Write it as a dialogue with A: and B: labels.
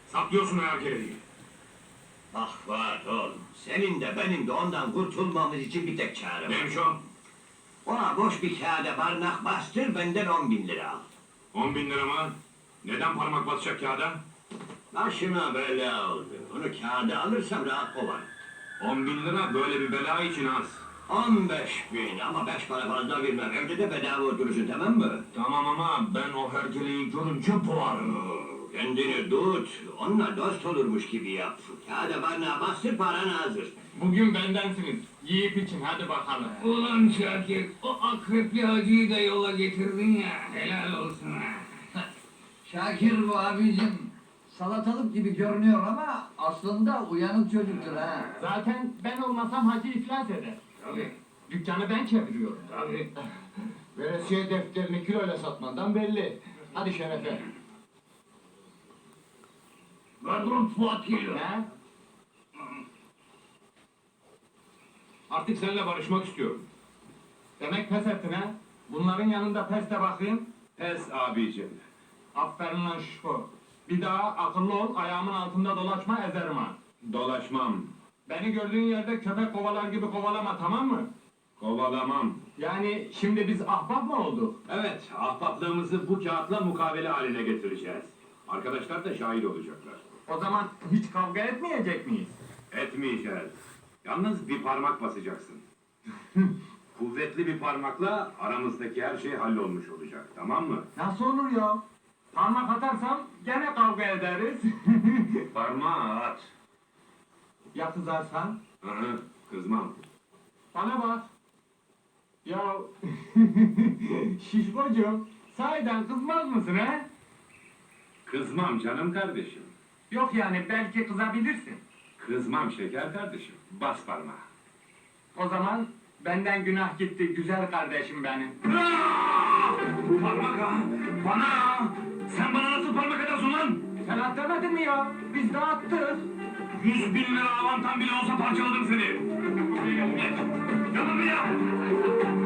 A: Saklıyorsun herkesi.
B: Ah var oğlum, senin de benim de ondan kurtulmamız için bir tek çare var.
A: Neymiş o?
B: Ona boş bir kağıda barnak bastır, benden 10.000 lira al.
A: 10.000 lira mı? Neden parmak basacak kağıda?
B: Başıma bela oldu. Onu kağıda alırsam rahat kovar.
A: 10.000 lira böyle bir bela için az.
B: 15.000 ama 5 para fazla vermem. Evde de bedava oturursun, tamam mı?
A: Tamam ama ben o hergeleyi görünce boğarım.
B: Kendini tut, onunla dost olurmuş gibi yap. Kağıda barnağa bastır, paran hazır.
C: Bugün bendensiniz. Yiyip için hadi bakalım.
D: Ulan Şakir, o akrepli hacıyı da yola getirdin ya, helal olsun ha.
E: Şakir bu abicim. Salatalık gibi görünüyor ama aslında uyanık çocuktur ha.
C: Zaten ben olmasam hacı iflas eder.
D: Tabii,
C: Dükkanı ben çeviriyorum.
D: tabii.
C: Veresiye defterini kiloyla satmandan belli. Hadi şerefe.
D: Kadron Fuat geliyor.
C: Ne?
A: Artık seninle barışmak istiyorum.
C: Demek pes ettin ha? Bunların yanında pes de bakayım.
A: Pes abicim.
C: Aferin lan şişko. Bir daha akıllı ol, ayağımın altında dolaşma, ezerim ha.
A: Dolaşmam.
C: Beni gördüğün yerde köpek kovalar gibi kovalama, tamam mı?
A: Kovalamam.
C: Yani şimdi biz ahbap mı olduk?
A: Evet, ahbaplığımızı bu kağıtla mukavele haline getireceğiz. Arkadaşlar da şahit olacaklar.
C: O zaman hiç kavga etmeyecek miyiz?
A: Etmeyeceğiz. Yalnız bir parmak basacaksın. Kuvvetli bir parmakla aramızdaki her şey hallolmuş olacak, tamam mı?
C: Nasıl olur ya? Parmak atarsam gene kavga ederiz.
A: Parmağı at.
C: Ya kızarsan?
A: Hı hı, kızmam.
C: Bana bak. Ya şişkocuğum, sahiden kızmaz mısın he?
A: Kızmam canım kardeşim.
C: Yok yani belki kızabilirsin.
A: Kızmam şeker kardeşim. Bas parmağı.
C: O zaman benden günah gitti güzel kardeşim benim.
A: Parmak ha! Bana ha! Sen bana nasıl parmak atarsın lan?
C: Sen at demedin mi ya? Biz de attık.
A: 100.000 lira avantan bile olsa parçaladım seni. Gel buraya!